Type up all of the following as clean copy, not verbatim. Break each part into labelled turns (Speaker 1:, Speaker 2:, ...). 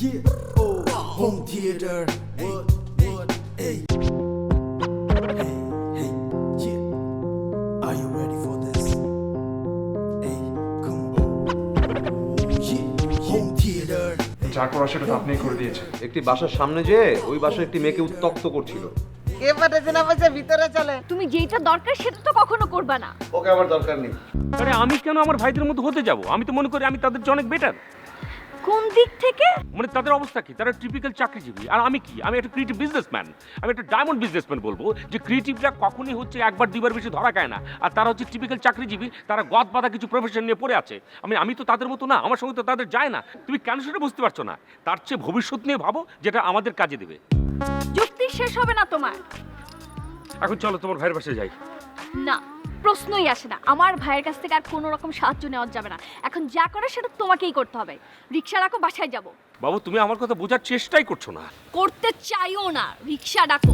Speaker 1: Yeah, oh, home theater. What, hey. Hey, yeah. Are you ready for this? Hey, come on. Yeah, home theater.
Speaker 2: যা করা সেটা তো আপনিই করে দিয়েছেন।
Speaker 3: একটি বাসার সামনে যেয়ে ওই বাসায় একটি মেয়েকে উত্ত্যক্ত করছিল।
Speaker 4: কে পাঠাচ্ছে না পাঠাচ্ছে ভিতরে চলে।
Speaker 5: তুমি যেটা দরকার সেটা তো কখনো করবা না।
Speaker 3: ওকে আমার দরকার নেই।
Speaker 6: আরে আমি কেন আমার ভাইদের মতো হতে যাব? আমি তো মনে করি আমি তাদের চেয়ে অনেক বেটার।
Speaker 5: কোন দিক থেকে?
Speaker 6: মানে তাদের অবস্থা কি? তারা টিপিক্যাল চাকরিজীবী, আর আমি কি? আমি একটা ক্রিয়েটিভ বিজনেসম্যান। আমি একটা ডায়মন্ড বিজনেসম্যান বলবো যে ক্রিয়েটিভরা কখনোই হচ্ছে একবার দুইবার বেশি ধরা খায় না, আর তারা হচ্ছে টিপিক্যাল চাকরিজীবী। তারা গদ বাঁধা কিছু প্রফেশন নিয়ে পড়ে আছে। আমি তো তাদের মতো না, আমার সঙ্গে তো তাদের যায় না। তুমি কেন সেটা বুঝতে পারছো না? তার চেয়ে ভবিষ্যৎ নিয়ে ভাবো, যেটা আমাদের কাজে দেবে।
Speaker 5: যুক্তি শেষ হবে না তোমার।
Speaker 6: এখন চলো তোমার ভাইয়ের বাসায় যাই।
Speaker 5: না, প্রশ্নই আসে না। আমার ভাইয়ের কাছ থেকে আর কোনো রকম সাহায্য নেওয়া যাবে না। এখন যা করে সেটা তোমাকেই করতে হবে। রিক্সা ডাকো, বাসায় যাব।
Speaker 6: বাবু, তুমি আমার কথা বোঝার চেষ্টাই করছো না।
Speaker 5: করতে চাইও না, রিক্সা ডাকো।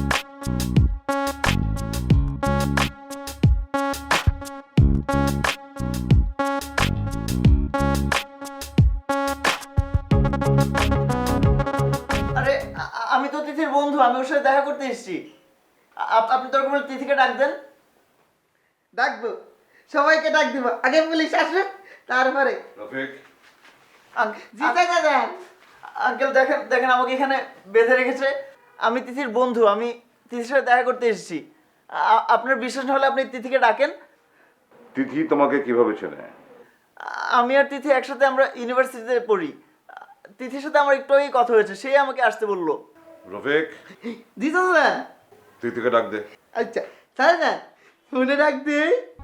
Speaker 4: আরে আমি তো তিথির বন্ধু, আমি ওর সাথে দেখা করতে এসেছি। আপনি তোর কোনো তিথিকে ডাক দেন। ডাকবো, সবাইকে ডাক দিব। আগে পুলিশ আসবে, তারপরে
Speaker 3: রফিক,
Speaker 4: জি দাদা। আঙ্কেল দেখেন দেখেন, আমাকে এখানে বেঁধে রেখেছে। আমি তিথির বন্ধু, আমি তিথির সাথে দেখা করতে এসেছি। আপনার বিশ্বাস না হলে আপনি তিথিকে ডাকেন।
Speaker 7: তিথি তোমাকে কিভাবে চেনে?
Speaker 4: আমি আর তিথি একসাথে আমরা ইউনিভার্সিটিতে পড়ি। তিথির সাথে আমার একটু আগেই কথা হয়েছে, সেই আমাকে আসতে বললো।
Speaker 7: রফিক,
Speaker 4: জি দাদা।
Speaker 7: তিথিকে ডাক দে।
Speaker 4: আচ্ছা তাই না, ফোনে ডাক দে।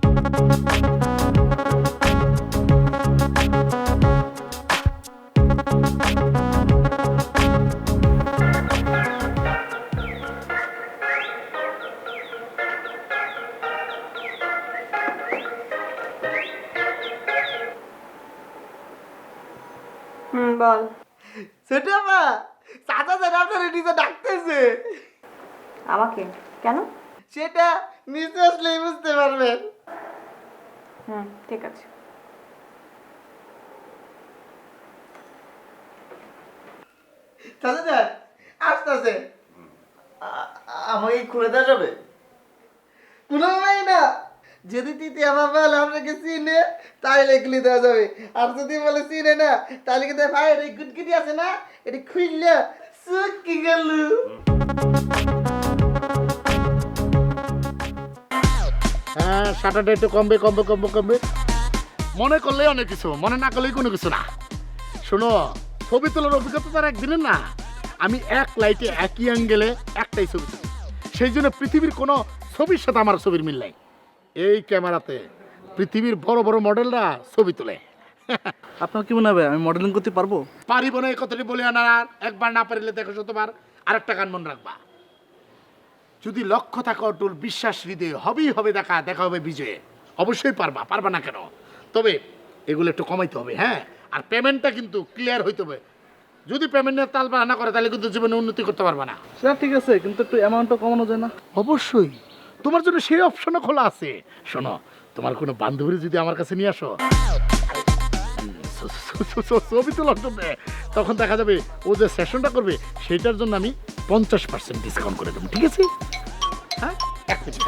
Speaker 8: বল।
Speaker 4: সেটা মা, চাচা স্যার আপনার নিজে ডাকতেছে।
Speaker 8: আমাকে কেন?
Speaker 4: সেটা নিচে আসলেই বুঝতে পারবেন।
Speaker 8: ঠিক আছে।
Speaker 4: চাচা স্যার আসতেছে। আমাকে খুলে দেওয়া যাবে? কোনো নাই না। যদি তিথি আমার বলে আপনাকে চিনে, তাহলে খুলে দেওয়া যাবে। আর যদি বলে চিনে না, তাহলে কিন্তু ভাইয়ের এই গুটগুটি আছে না, এটি খুললে চুকি গেল।
Speaker 9: হ্যাঁ, শাটারটা একটু কমবে। মনে করলে অনেক কিছু, মনে না করলেই কোনো কিছু না। শোনো, ছবি তোলার অভিজ্ঞতা তার একদিনের না। আমি এক লাইটে একই অ্যাঙ্গেলে একটাই ছবি তুলি। সেই জন্য পৃথিবীর কোনো ছবির সাথে আমার ছবির মিল নাই। এই ক্যামেরাতে পৃথিবীর বড় বড় মডেলরা ছবি তোলে।
Speaker 10: আপনার কি মনে হবে আমি মডেলিং করতে পারবো?
Speaker 9: পারিব না, এই কথাটি বলে আনার। একবার না পারিলে দেখো শতবার। আরেকটা গান মনে রাখবা, যদি লক্ষ্য থাকা অটুল, বিশ্বাস হৃদয়ে, হবেই হবে দেখা হবে বিজয়ে। অবশ্যই পারবা না কেন? তবে এগুলো একটু কমাইতে হবে, হ্যাঁ। আর পেমেন্টটা কিন্তু ক্লিয়ার হইতে হবে। যদি পেমেন্টের তাল না করে, তাহলে কিন্তু জীবনে উন্নতি করতে পারবা না।
Speaker 10: সেটা ঠিক আছে, কিন্তু একটু অ্যামাউন্টটা কমানো যায় না?
Speaker 9: অবশ্যই, তোমার জন্য সেই অপশনও খোলা আছে। শোনো, তোমার কোনো বান্ধবী যদি আমার কাছে নিয়ে আসো ছবি তোলার জন্য, তখন দেখা যাবে ও যে সেশনটা করবে সেটার জন্য আমি 50% ডিসকাউন্ট করে দেবো। ঠিক আছে? হ্যাঁ, এক মিনিট।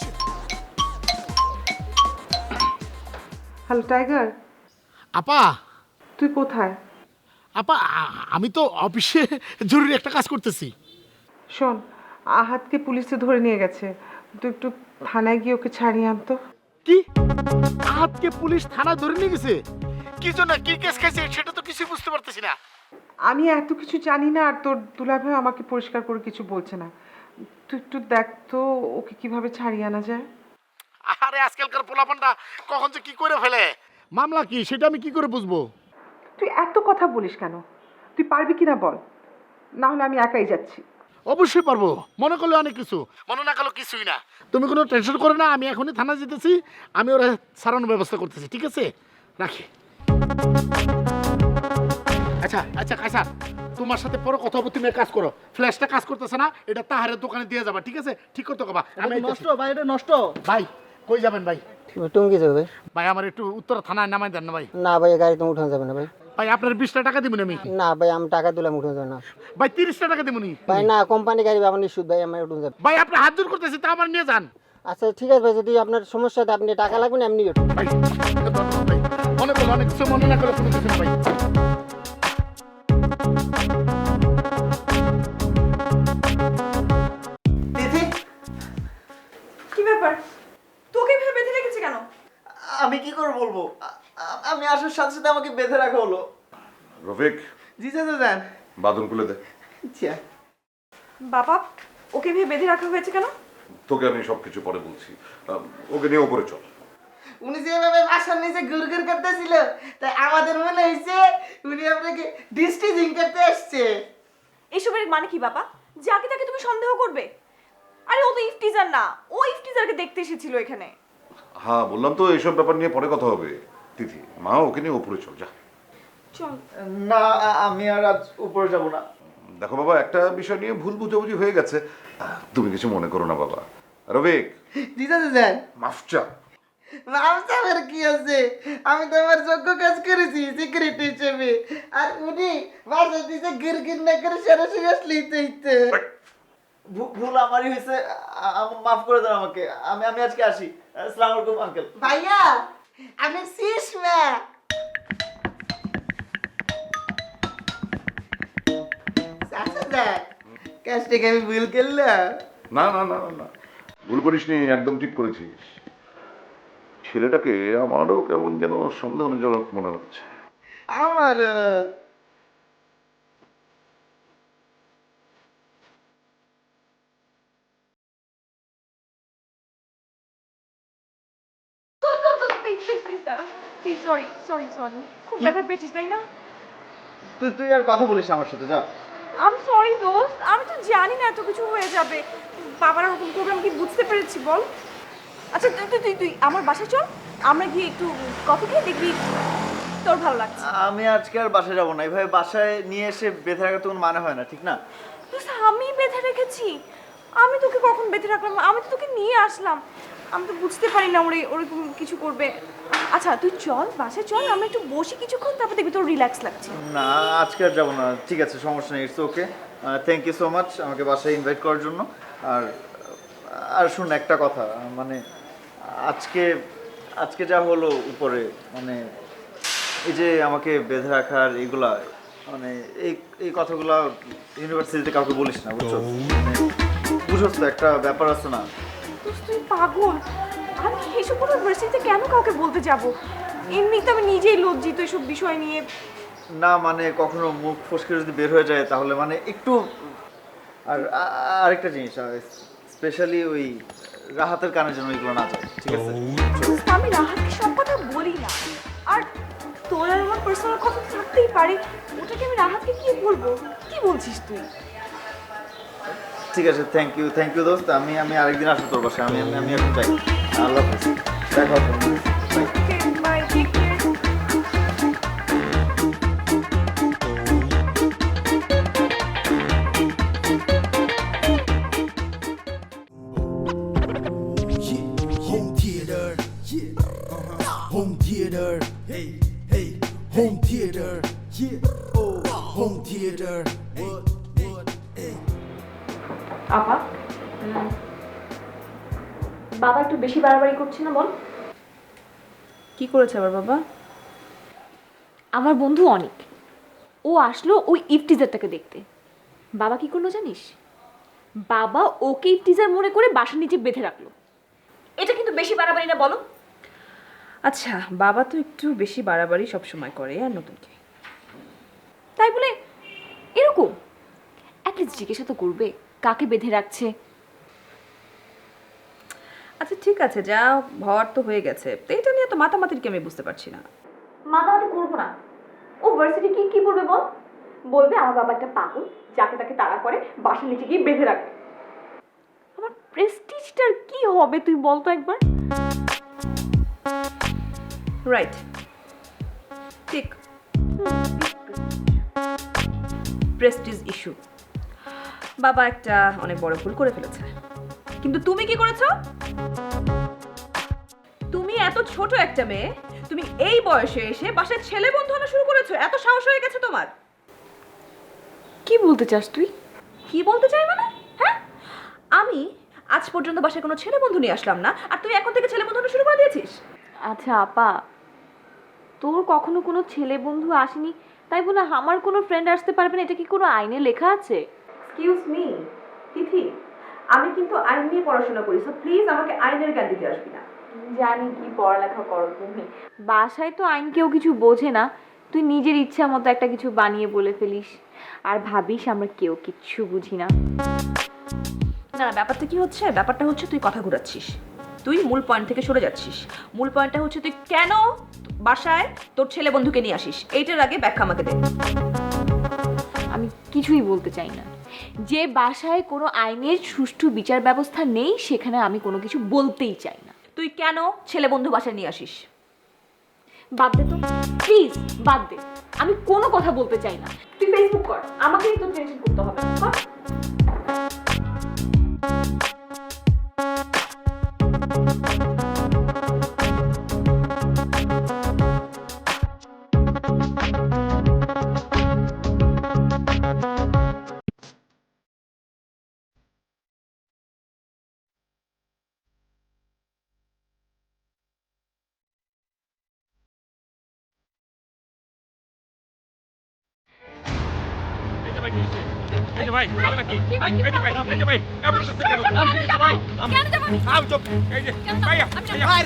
Speaker 8: হ্যালো টাইগার,
Speaker 9: আপা।
Speaker 8: তুই কোথায়?
Speaker 9: আপা, আমি তো অফিসে জরুরি একটা কাজ করতেছি।
Speaker 8: শোন, আহাতকে পুলিশে ধরে নিয়ে গেছে। তুই একটু থানায় গিয়ে ওকে ছাড়িয়ে আনতো।
Speaker 9: কি? আহাতকে পুলিশ থানায় ধরে নিয়ে গেছে? কি জন্য, কি কেস খাইছে সেটা তো কিছু বুঝতে পারতেছি না।
Speaker 8: আমি এত কিছু জানি না, আর তোর দুলাভাই আমাকে পরিষ্কার করে কিছু বলছে না। তুই একটু দেখ তো ওকে কিভাবে ছাড়িয়ে আনা যায়।
Speaker 9: আরে আজকালকার পোলাপানটা কখন যে কি করে ফেলে। মামলা কি সেটা আমি কি করে বুঝবো?
Speaker 8: তুই এত কথা বলিস কেন? তুই পারবি কিনা বল, না হলে আমি একাই যাচ্ছি।
Speaker 9: অবশ্যই পারবো, মনে করলে অনেক কিছু, মনে না করলে কিছুই না। তুমি কোনো টেনশন করো না, আমি এখনই থানা যেতেছি। আমি ওরা ছাড়ানোর ব্যবস্থা করতেছি। ঠিক আছে, রাখি। আচ্ছা কাইসার, তোমার সাথে পরে কথা হবে। তুমি কাজ করো, ফ্ল্যাশটা কাজ করতেছে না, এটা তাহারের দোকানে দিয়ে যাবা। ঠিক আছে? ঠিক করতে কবা। আমি
Speaker 10: নষ্ট ভাই, এটা নষ্ট।
Speaker 9: ভাই কই যাবেন ভাই?
Speaker 4: তুমি কি যাবে
Speaker 9: ভাই আমার একটু উত্তর থানায় নামাই দেন না ভাই।
Speaker 4: না ভাই, গাড়ি তো উঠানো যাবে না ভাই।
Speaker 9: ভাই আপনার 20টা টাকা দিবেন আমি
Speaker 4: না ভাই আমি টাকা দিলাম উঠে যাবে না
Speaker 9: ভাই 30টা টাকা দিবেন
Speaker 4: ভাই না কোম্পানি গাড়ি আমার নিশুদ ভাই আমার উঠে যাবে
Speaker 9: ভাই আপনি হাত জোর করতেছি তা আমার নিয়ে যান
Speaker 4: আচ্ছা ঠিক আছে ভাই যদি আপনার সমস্যা হয় আপনি টাকা লাগবে না এমনি উঠুন
Speaker 9: ভাই ভাই মনে করো অনেক কিছু মনে না করে কোনো কিছু না ভাই
Speaker 4: দিদি
Speaker 8: কি ব্যাপার তোকে ভেবে বেঁধে রেখেছে কেন?
Speaker 4: আমি কি করে বলবো আমি আসার সাথে সাথে আমাকে বেঁধে রাখা হলো
Speaker 7: রফিক
Speaker 4: জি চাচা যান
Speaker 7: বাদন খুলে দে।
Speaker 4: আচ্ছা
Speaker 8: বাবা ওকে ভেবে বেঁধে রাখা হয়েছে কেন?
Speaker 7: তোকে আমি সবকিছু পরে বলছি। ওকে নিয়ে উপরে চল।
Speaker 4: উনি যেভাবে বাসার নিচে গুড়গুড় করতেছিল তাই আমাদের মনে হয়েছে উনি আপনাকে ডিস্টিজিং করতে আসছে
Speaker 8: এসবের মানে কি বাবা? যাকে তাকে তুমি সন্দেহ করবে? আরে ও তো ইফতিজার না, ও ইফতিজারকে দেখতে এসেছিল এখানে।
Speaker 7: হ্যাঁ বললাম তো এইসব ব্যাপার নিয়ে পরে কথা হবে। তিথি মা ওকে নিয়ে উপরে চল যা।
Speaker 8: চল।
Speaker 4: না আমি আর আজ উপরে যাব না
Speaker 7: দেখো বাবা একটা বিষয় নিয়ে ভুল বুঝাবুঝি হয়ে গেছে, তুমি কিছু মনে করো না বাবা। রফিক
Speaker 4: জি চাচা যান
Speaker 7: মাফ চা।
Speaker 4: আমার কি আছে আমি তো আমার যোগ্য কাজ করেছি সিকিউরিটি হিসেবে আর উনি বাসা দিতে গিরগির না করে সরাসরি আসলেই তো ইতে ভুল আমারই হয়েছে মাফ করে দেন আমাকে আমি আজকে আসি আসসালামু আলাইকুম আঙ্কেল ভাইয়া আমি সিসমা চাচা কাজটাকে আমি ভুল করলাম
Speaker 7: না না না না না ভুল করিসনি, একদম ঠিক করেছিস। ছেলেটাকে আমারও কেমন যেন সন্দেহজনক মনে হচ্ছে।
Speaker 4: আমার
Speaker 8: খুব ব্যথা পেয়েছিস তাই না?
Speaker 4: তুই আর কথা বলিস আমার সাথে যা
Speaker 8: আমি সরি দোস্ত, আমি তো জানি না এত কিছু হয়ে যাবে। বাবার ওরকম করবে আমি কি বুঝতে পেরেছি বল? আচ্ছা তুই আমার বাসায় চল, আমরা গিয়ে একটু কফি খেয়ে দেখবি তোর ভালো লাগছে।
Speaker 4: আমি আজকে আর বাসায় যাবো না এইভাবে বাসায় নিয়ে এসে বেঁধে রাখা তো কোনো মানে হয় না ঠিক না
Speaker 8: দোস্ত আমি বেঁধে রেখেছি? আমি তোকে কখন বেঁধে রাখলাম? আমি তো তোকে নিয়ে আসলাম, আমি তো বুঝতে পারি না ওরকম কিছু করবে। আচ্ছা তুই চল বাসায় চল, আমরা একটু বসি কিছুক্ষণ, তারপর দেখবি তোর রিল্যাক্স লাগছে।
Speaker 4: না আজকে আর যাবো না ঠিক আছে সমস্যা নেই it's okay thank you so much আমাকে বাসায় ইনভাইট করার জন্য আর আর শুন একটা কথা মানে আজকে যা হলো উপরে মানে এই যে আমাকে বেঁধে রাখার এইগুলা মানে এই কথাগুলা ইউনিভার্সিটিতে কাউকে বলিস না বুঝছো বুঝছ তো একটা ব্যাপার আছে না
Speaker 8: তুই পাগল, আমি এইসব কোনো ভার্সিটিতে কেন কাউকে বলতে যাব? এমনিতে আমি নিজেই লজ্জিত এসব বিষয় নিয়ে।
Speaker 4: না মানে কখনো মুখ ফসকে যদি বের হয়ে যায় তাহলে মানে একটু আর আরেকটা জিনিস স্পেশালি ওই রাহাতের কানে যেন এগুলো না যায় ঠিক আছে
Speaker 8: আমি রাহাতকে সব কথা বলি না, আর তোর আর আমার পার্সোনাল কথা থাকতেই পারে, ওটাকে আমি রাহাতকে কি বলবো? কি বলছিস তুই?
Speaker 4: ঠিক আছে থ্যাংক ইউ দোস্ত আমি আরেকদিন আসবো তোর বাসায় আমি এখন যাই আল্লাহ হাফেজ দেখা হবে
Speaker 8: bye take care.
Speaker 1: Yeah, home theater. Yeah, home theater. Hey, hey, home theater. Yeah, oh, home theater. What, hey.
Speaker 5: আপা বাবা একটু বেশি বাড়াবাড়ি করছে না বল?
Speaker 8: কি করেছে আবার বাবা?
Speaker 5: আমার বন্ধু অনিক ও আসলো ওই ইফটিজারটাকে দেখতে। বাবা কি করলো জানিস? বাবা ওকে ইফটিজার মনে করে বাসার নিচে বেঁধে রাখলো। এটা কিন্তু বেশি বাড়াবাড়ি না বলো?
Speaker 8: আচ্ছা বাবা তো একটু বেশি বাড়াবাড়ি সব সময় করে আর নতুনকে
Speaker 5: তাই বলে এরকম অ্যাটলিস্ট জিজ্ঞাসা তো করবে কাকে বেঁধে রাখছে।
Speaker 8: আচ্ছা ঠিক আছে যা হওয়ার তো হয়ে গেছে, তো এটা নিয়ে তো মাতামাতির কি আমি বুঝতে পারছি না।
Speaker 5: মাতামাতি করবো না, ও ভার্সিটি কি বলবে বল? বলবে আমার বাবা একটা পাগল যাকে তাকে তাড়া করে বাসার নিচে গিয়ে বেঁধে রাখে। আমার প্রেস্টিজটার কি হবে তুই বল তো একবার?
Speaker 8: রাইট ঠিক, প্রেস্টিজ ইস্যু। বাবা একটা অনেক বড় ভুল করে ফেলেছে, কিন্তু তুমি কি করেছো? তুমি
Speaker 11: এত ছোট একটা মেয়ে, তুমি এই বয়সে এসে বাসায় ছেলে বন্ধু আনা শুরু করেছো? এত সাহস হয়ে গেছে তোমার?
Speaker 5: কি বলতে চাস তুই?
Speaker 11: কি বলতে চাই মানে? হ্যাঁ, আমি আজ পর্যন্ত বাসায় কোনো ছেলে বন্ধু নিয়ে আসলাম না, আর তুই এখন থেকে ছেলে বন্ধু আনা শুরু করে দিয়েছিস?
Speaker 5: আচ্ছা আপা, তোর কখনো কোনো ছেলে বন্ধু আসেনি তাই বলে আমার কোনো ফ্রেন্ড আসতে পারবে না, এটা কি কোনো আইনে লেখা আছে?
Speaker 11: এক্সকিউজ মি তিথি, আমি কিন্তু আইন নিয়ে পড়াশোনা করি, সো প্লিজ আমাকে আইনের জ্ঞান দিতে আসবি না।
Speaker 5: জানি কি পড়ালেখা করো তুমি, বাসায় তো আইন কেউ কিছু বোঝে না, তুই নিজের ইচ্ছা মতো একটা কিছু বানিয়ে বলে ফেলিস আর ভাবিস আমরা কেউ কিচ্ছু বুঝি না।
Speaker 11: না না, ব্যাপারটা কি হচ্ছে? ব্যাপারটা হচ্ছে তুই কথা ঘুরাচ্ছিস, তুই মূল পয়েন্ট থেকে সরে যাচ্ছিস। মূল পয়েন্টটা হচ্ছে তুই কেন বাসায় তোর ছেলে বন্ধুকে নিয়ে আসিস, এইটার আগে ব্যাখ্যা আমাকে দে।
Speaker 5: আমি কিছুই বলতে চাই না। যে বাসায় কোনো আইনের সুষ্ঠু বিচার ব্যবস্থা নেই সেখানে আমি কোনো কিছু বলতেই চাই না।
Speaker 11: তুই কেন ছেলে বন্ধু বাসায় নিয়ে আসিস?
Speaker 5: বাদ দে তো প্লিজ, বাদ দে, আমি কোনো কথা বলতে চাই না। তুই ফেসবুক কর, আমাকেই তো টেনশন করতে হবে না, কর।
Speaker 6: এই যে ভাই, হবে নাকি? এই যে ভাই, এই যে ভাই, আপনার সাথে কেন? এই যে ভাই,
Speaker 8: কেন যাবো?
Speaker 6: চুপ। এই যে, ভাইয়া, ভাই,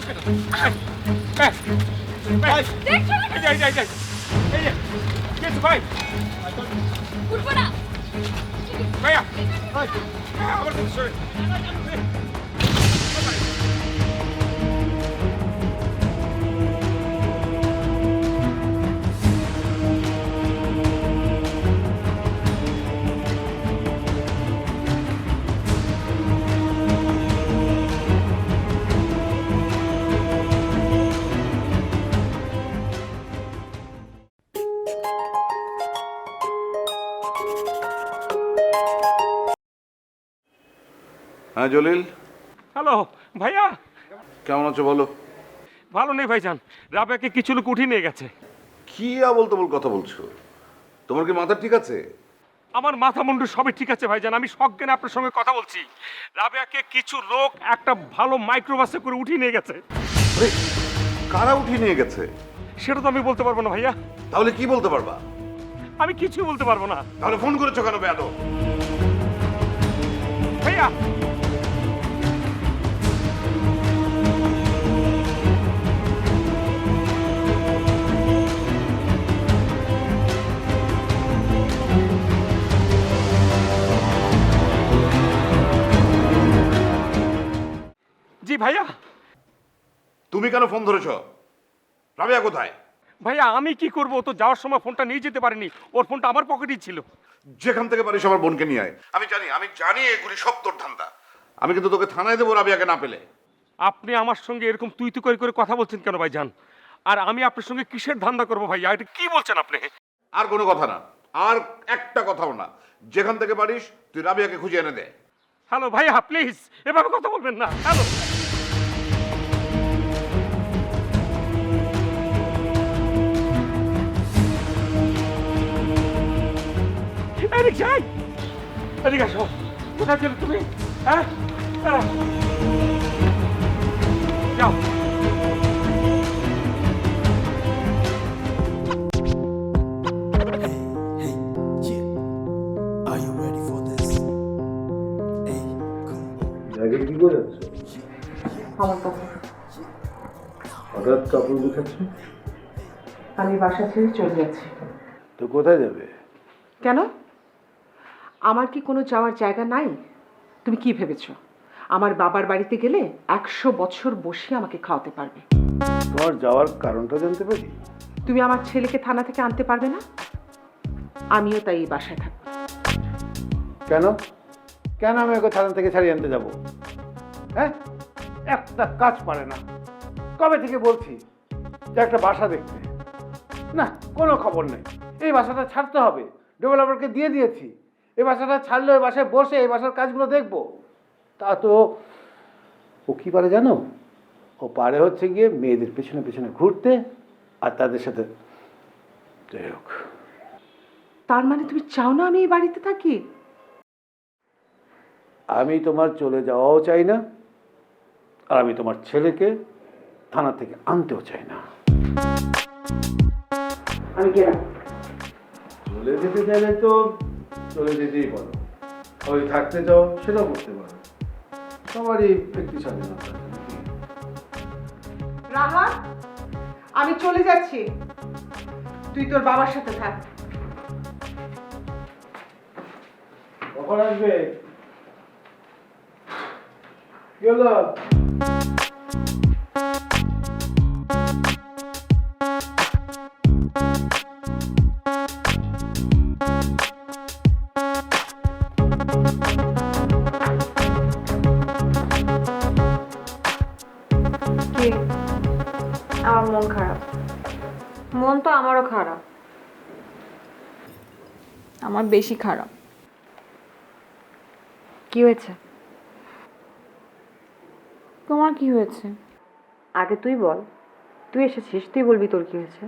Speaker 8: দেখছো না?
Speaker 6: এই যে, কি হয়েছে ভাই?
Speaker 8: উঠবো না।
Speaker 6: ভাইয়া, আমার সাথে সরে।
Speaker 7: হ্যাঁ জলিল,
Speaker 6: হ্যালো ভাইয়া,
Speaker 7: কেমন আছো বলো?
Speaker 6: ভালো নেই ভাইজান, রাবেয়াকে কিছু লোক উঠিয়ে নিয়ে গেছে।
Speaker 7: কি আবল তাবল কথা বলছো? তোমার কি মাথা ঠিক আছে?
Speaker 6: আমার মাথা মুন্ডু সবই ঠিক আছে ভাইজান, আমি সজ্ঞানে আপনার সঙ্গে কথা বলছি। রাবেয়াকে কিছু লোক একটা ভালো মাইক্রোবাসে করে উঠিয়ে নিয়ে গেছে।
Speaker 7: আরে, কারা উঠিয়ে নিয়ে গেছে?
Speaker 6: সেটা তো আমি বলতে পারবো না ভাইয়া,
Speaker 7: তাহলে কি বলতে পারবা?
Speaker 6: আমি কিছুই বলতে পারবো না।
Speaker 7: তাহলে ফোন করেছো কেন বেয়াদব?
Speaker 6: ভাইয়া, জি ভাইয়া।
Speaker 7: তুমি কেন ফোন ধরেছো? রাবেয়া কোথায়?
Speaker 6: ভাইয়া আমি কি করবো, ও তো যাওয়ার সময় ফোনটা নিয়ে যেতে পারিনি, ওর ফোনটা আমার পকেটেই ছিল।
Speaker 7: যেখান থেকে পারিস আমার বোনকে নিয়ে আয়। আমি জানি এগুলি সব তোর ধান্দা। আমি কিন্তু তোকে থানায় দেবো রাবেয়াকে না পেলে।
Speaker 6: আপনি আমার সঙ্গে এরকম তুই তুই করে কথা বলছেন কেন ভাইজান? আর আমি আপনার সঙ্গে কিসের ধান্দা করবো ভাইয়া, এটা কি বলছেন আপনি?
Speaker 7: আর কোনো কথা না, আর একটা কথাও না। যেখান থেকে পারিস তুই রাবেয়াকে খুঁজে এনে দে।
Speaker 6: হ্যালো ভাইয়া, প্লিজ এভাবে কথা বলবেন না। হ্যালো, এদিক যাই, এদিকে আসো। কোথায় ছিলে তুমি? হ্যাঁ, যাও।
Speaker 1: Hey, yeah. Are you ready for this? Hey, come on.
Speaker 3: আগে কি করে যাচ্ছ?
Speaker 11: আমার কথা,
Speaker 3: হঠাৎ কাপড় গুছাচ্ছ?
Speaker 11: আমি বাসা ছেড়ে চলে যাচ্ছি।
Speaker 3: তো কোথায় যাবে?
Speaker 11: কেন, আমার কি কোনো যাওয়ার জায়গা নাই? তুমি কি ভেবেছো আমার বাবার বাড়িতে গেলে 100 বছর বসে আমাকে খাওয়াতে পারবে?
Speaker 3: তোমার যাওয়ার কারণটা জানতে পারি?
Speaker 11: তুমি আমার ছেলেকে থানা থেকে আনতে পারবে না, আমিও তাই এই বাসায় থাকবো।
Speaker 3: কেন কেন আমি ওকে থানা থেকে ছাড়িয়ে আনতে যাব? হ্যাঁ, একটা কাজ পারে না। কবে থেকে বলছি যে একটা বাসা দেখতে, না কোনো খবর নেই। এই বাসাটা ছাড়তে হবে, ডেভেলপারকে দিয়ে দিয়েছি। এই বাসাটা ছাড়লে ওই বাসায় বসে এই বাসার কাজগুলো দেখবো। তা তো ও কী পারে জানো? ও ও পারে হচ্ছে গিয়ে মেয়েদের পেছনে পেছনে ঘুরতে আর তাদের সাথে যাই হোক।
Speaker 12: তার মানে তুমি চাও না আমি এই বাড়িতে থাকি?
Speaker 3: আমি তোমার চলে যাওয়াও চাই না, আর আমি তোমার ছেলেকে থানা থেকে আনতেও চাই না।
Speaker 12: আমি গেলাম।
Speaker 3: চলে যেতে চাইলে তো চলে যেতেই বলো, ওই থাকতে চাও সেটাও করতে পারো, সবারই ব্যক্তি স্বাধীনতা আছে নাকি?
Speaker 12: রাহা, আমি চলে যাচ্ছি, তুই তোর বাবার সাথে থাক।
Speaker 3: কখন আসবে? কি হলো?
Speaker 5: কি? আমার মন খারাপ। মন তো আমারও খারাপ।
Speaker 8: আমার বেশি খারাপ।
Speaker 5: কি হয়েছে?
Speaker 8: তোমার কি হয়েছে?
Speaker 5: আগে তুই বল, তুই এসেছিস, তুই বলবি তোর কি হয়েছে।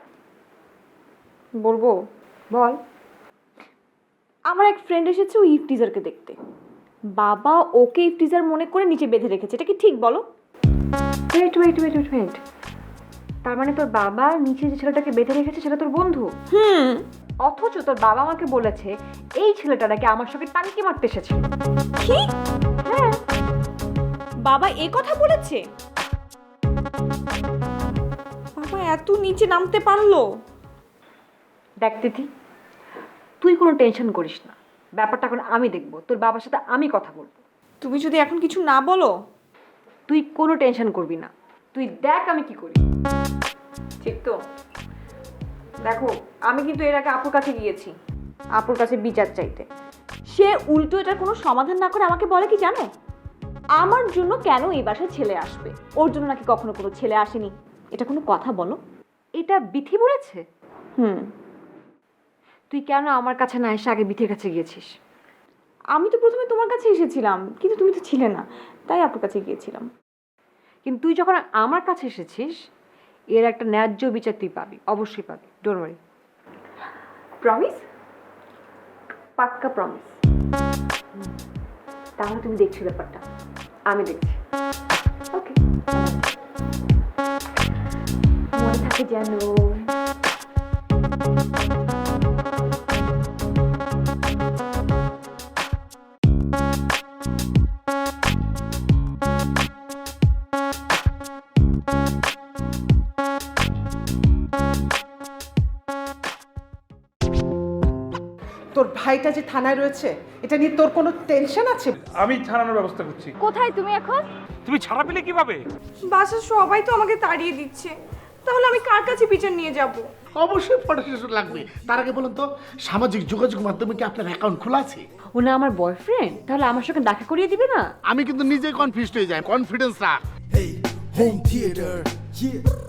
Speaker 8: বলবো?
Speaker 5: বল।
Speaker 8: আমার এক ফ্রেন্ড এসেছে ওই ইফটিজারকে দেখতে। বাবা ওকে ইফটিজার মনে করে নিচে বেঁধে রেখেছে, এটা কি ঠিক বলো?
Speaker 5: ওয়েট, তার মানে তোর বাবা নিচে যে ছেলেটাকে বেঁধে রেখেছে সেটা তোর বন্ধু? অথচ তোর বাবা আমাকে বলেছে এই ছেলেটা নাকি আমার সঙ্গে টানকি মারতে এসেছিল।
Speaker 8: কি?
Speaker 5: হ্যাঁ,
Speaker 8: বাবা এ কথা বলেছে? বাবা এত নিচে নামতে পারলো?
Speaker 5: দেখ তিথি, তুই কোনো টেনশন করিস না, ব্যাপারটা এখন আমি দেখব, তোর বাবার সাথে আমি কথা বলবো।
Speaker 8: তুমি যদি এখন কিছু না বলো।
Speaker 5: তুই কোনো টেনশন করবি না, তুই দেখ আমি কি করি।
Speaker 8: ঠিক তো? দেখো, আমি কিন্তু এর আগে আপুর কাছে গিয়েছি, আপুর কাছে বিচার চাইতে। সে উল্টো এটার কোনো সমাধান না করে আমাকে বলে কি জানো, আমার জন্য কেন এই বাসায় ছেলে আসবে, ওর জন্য নাকি কখনো কোনো ছেলে আসেনি। এটা কোনো কথা বলো?
Speaker 5: এটা বিথি বলেছে?
Speaker 8: হুম।
Speaker 5: তুই কেন আমার কাছে না এসে আগে বিথির কাছে গিয়েছিস?
Speaker 8: আমি তো প্রথমে তোমার কাছে এসেছিলাম, কিন্তু তুমি তো ছিলে না, তাই আপুর কাছে গিয়েছিলাম।
Speaker 5: কিন্তু তুই যখন আমার কাছে এসেছিস, এর একটা ন্যায্য বিচার তুই পাবি, অবশ্যই পাবি, ডোন্ট ওয়ারি।
Speaker 8: প্রমিস?
Speaker 5: পাক্কা প্রমিস। তাহলে তুমি দেখছো ব্যাপারটা, আমি দেখছি। ওকে, মনে থাকে যেন।
Speaker 12: তোর ভাইটা যে থানায় রয়েছে এটা নিয়ে তোর কোনো টেনশন আছে?
Speaker 2: আমি ছাড়ানোর ব্যবস্থা করছি।
Speaker 5: কোথায় তুমি এখন?
Speaker 6: তুমি ছাড়া পেলে কিভাবে?
Speaker 8: বাসার সবাই তো আমাকে তাড়িয়ে দিচ্ছে, তাহলে আমি কার কাছে বিচার নিয়ে যাব?
Speaker 9: অবশ্যই ফটো সেশন লাগবে। তার আগে বলুন তো, সামাজিক যোগাযোগ মাধ্যমে কি আপনার অ্যাকাউন্ট খোলা আছে?
Speaker 5: ও না আমার বয়ফ্রেন্ড, তাহলে আমার সঙ্গে দেখা করিয়ে দিবে না?
Speaker 9: আমি কিন্তু নিজেই কনফিউজড হয়ে যাই, কনফিডেন্স রাখ।
Speaker 1: Hey, home theater, yeah.